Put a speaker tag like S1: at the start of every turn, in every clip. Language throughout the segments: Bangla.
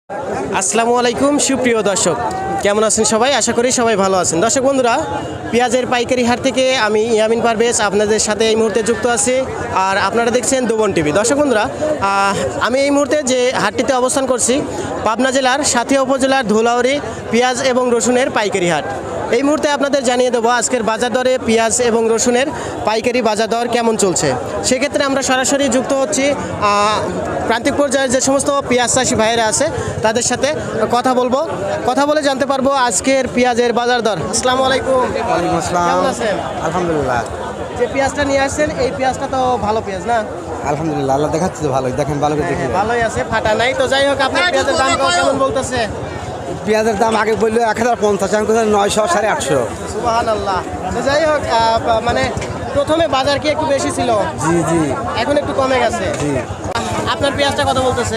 S1: আসসালামু আলাইকুম সুপ্রিয় দর্শক, কেমন আছেন সবাই? আশা করি সবাই ভালো আছেন। দর্শক বন্ধুরা, পেঁয়াজের পাইকারি হাট থেকে আমি ইয়ামিন পারভেজ আপনাদের সাথে এই মুহূর্তে যুক্ত আছি। আর আপনারা দেখছেন দুবন টিভি। দর্শক বন্ধুরা, আমি এই মুহূর্তে যে হাটটিতে অবস্থান করছি, পাবনা জেলার সাথিয়া উপজেলার ধুলাউড়ি পেঁয়াজ এবং রসুনের পাইকারি হাট। এই মুহূর্তে আপনাদের জানিয়ে দেবো আজকের বাজার দরে পেঁয়াজ এবং রসুনের পাইকারি বাজার দর কেমন চলছে। সেক্ষেত্রে আমরা সরাসরি যুক্ত হচ্ছি প্রান্তিক পর্যায়ে যে সমস্ত পেঁয়াজ চাষি ভাইয়েরা আছে তাদের সাথে কথা বলে জানতে পারবো আজকের পেঁয়াজের বাজার দর। আসসালামু আলাইকুম।
S2: ওয়ালাইকুম আসসালাম।
S1: কেমন আছেন?
S2: আলহামদুলিল্লাহ।
S1: যে পেঁয়াজটা নিয়ে আসছেন এই পেঁয়াজটা তো ভালো পেঁয়াজ না?
S2: আলহামদুলিল্লাহ, আল্লাহ দেখাচ্ছে তো ভালোই, দেখেন ভালো করে দেখি।
S1: ভালোই আছে, ফাটা নাই। তো যাই হোক, আপনার পেঁয়াজের দাম কেমন বলতেছে?
S2: পেঁয়াজের দাম আগে বললো 1050, আমি কোথায় 900, 850।
S1: সুবহানাল্লাহ। তো যাই হোক, মানে প্রথমে বাজার কি একটু বেশি ছিল?
S2: জি জি
S1: এখন একটু কমে গেছে।
S2: জি।
S1: আপনার পেঁয়াজটা কত বলতেছে?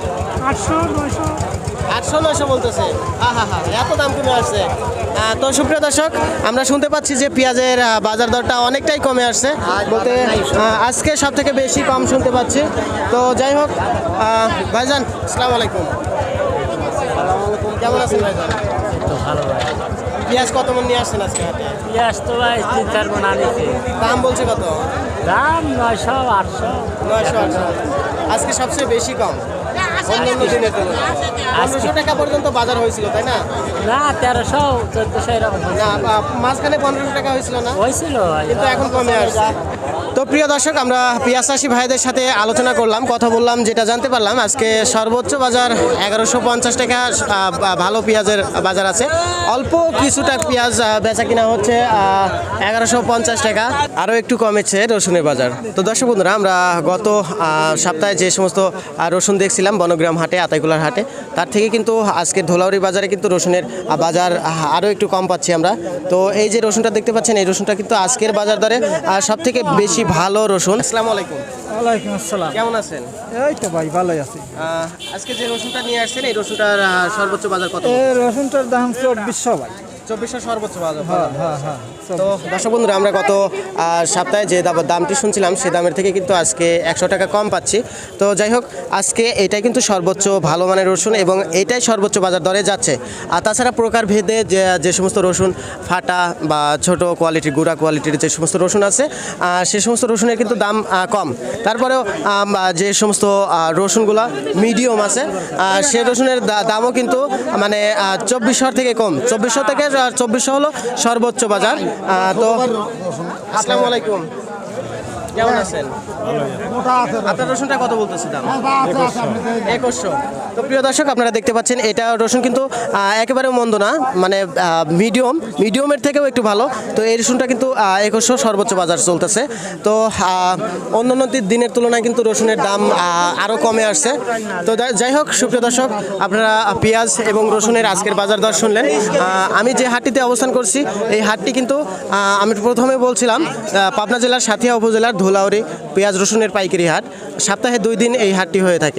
S1: 800-900 বলতেছে। এত দাম কমে আসছে। তো সুপ্রিয় দর্শক, আমরা শুনতে পাচ্ছি যে পেঁয়াজের বাজার দরটা অনেকটাই কমে আসছে, বলতে আজকে সব থেকে বেশি কম শুনতে পাচ্ছি। তো যাই হোক, ভাইজান আসসালামু আলাইকুম। কেমন আছেন ভাইজান?
S3: তো ভালো ভাই।
S1: পেঁয়াজ কত মন নিয়ে আসছেন আজকে হাটে?
S3: পেঁয়াজ তো ভাই 3-4 মণ আনিছে।
S1: দাম বলছে কত?
S3: দাম 900, 800।
S1: 900-800। আজকে সবচেয়ে বেশি কম অন্যান্য দিনের তুলনায়। 1500 টাকা পর্যন্ত বাজার হয়েছিল, তাই না?
S3: না 1300, 1400 এরকম
S1: না, মাঝখানে 1500 টাকা হয়েছিল না?
S3: হয়েছিল ভাই।
S1: কিন্তু এখন কমে আসছে। তো প্রিয় দর্শক, আমরা পেঁয়াজ চাষি ভাইদের সাথে আলোচনা করলাম, কথা বললাম, যেটা জানতে পারলাম আজকে সর্বোচ্চ বাজার 1150 টাকা ভালো পেঁয়াজের বাজার আছে। অল্প কিছুটা পেঁয়াজ বেচা কিনা হচ্ছে 1150 টাকা। আরও একটু কমেছে রসুনের বাজার। তো দর্শক বন্ধুরা, আমরা গত সপ্তাহে যে সমস্ত রসুন দেখছিলাম বনগ্রাম হাটে, আতাইকুলার হাটে, তার থেকে কিন্তু আজকের ধুলাউড়ি বাজারে কিন্তু রসুনের বাজার আরও একটু কম পাচ্ছি আমরা। তো এই যে রসুনটা দেখতে পাচ্ছেন, এই রসুনটা কিন্তু আজকের বাজার দরে সব থেকে বেশি ভালো রসুন। আসসালামু আলাইকুম।
S4: ওয়ালাইকুম আসসালাম।
S1: কেমন আছেন?
S4: এই তো ভাই ভালোই আছি।
S1: আজকে যে রসুনটা নিয়ে আসছেন, এই রসুনটার সর্বোচ্চ বাজার কত?
S4: এই রসুনটার দাম 2400 ভাই।
S1: 2400 সর্বোচ্চ বাজার।
S4: হ্যাঁ।
S1: তো দর্শক বন্ধুরা, আমরা গত সপ্তাহে যে দামটি শুনছিলাম সেই দামের থেকে কিন্তু আজকে 100 টাকা কম পাচ্ছি। তো যাই হোক, আজকে এটাই কিন্তু সর্বোচ্চ ভালো মানের রসুন এবং এটাই সর্বোচ্চ বাজার দরে যাচ্ছে। আর তাছাড়া প্রকার ভেদে যে সমস্ত রসুন ফাটা বা ছোট কোয়ালিটির, গুঁড়া কোয়ালিটির যে সমস্ত রসুন আছে, সে সমস্ত রসুনের কিন্তু দাম কম। তারপরেও যে সমস্ত রসুনগুলা মিডিয়াম আছে, সে রসুনের দামও কিন্তু মানে 2400 থেকে কম। 2400 থেকে 2400 হলো সর্বোচ্চ বাজার। তো আসসালামু আলাইকুম। কেমন আছেন? আপনার রসুনটা কত বলতেছে দাম? 2100। তো প্রিয় দর্শক, আপনারা দেখতে পাচ্ছেন এটা রসুন কিন্তু একেবারে মন্দ না, মানে মিডিয়ামের থেকেও একটু ভালো। তো এই রসুনটা কিন্তু 2100 সর্বোচ্চ বাজার চলতেছে। তো অন্যান্য দিনের তুলনায় কিন্তু রসুনের দাম আরও কমে আসছে। তো যাই হোক সুপ্রিয় দর্শক, আপনারা পেঁয়াজ এবং রসুনের আজকের বাজার দর শুনলেন। আমি যে হাটটিতে অবস্থান করছি, এই হাটটি কিন্তু আমি প্রথমে বলছিলাম পাবনা জেলার সাথিয়া উপজেলার ধুলাউড়ি পেঁয়াজ রসুনের পাইকারি হাট। সপ্তাহে 2 দিন এই হাটটি হয়ে থাকে।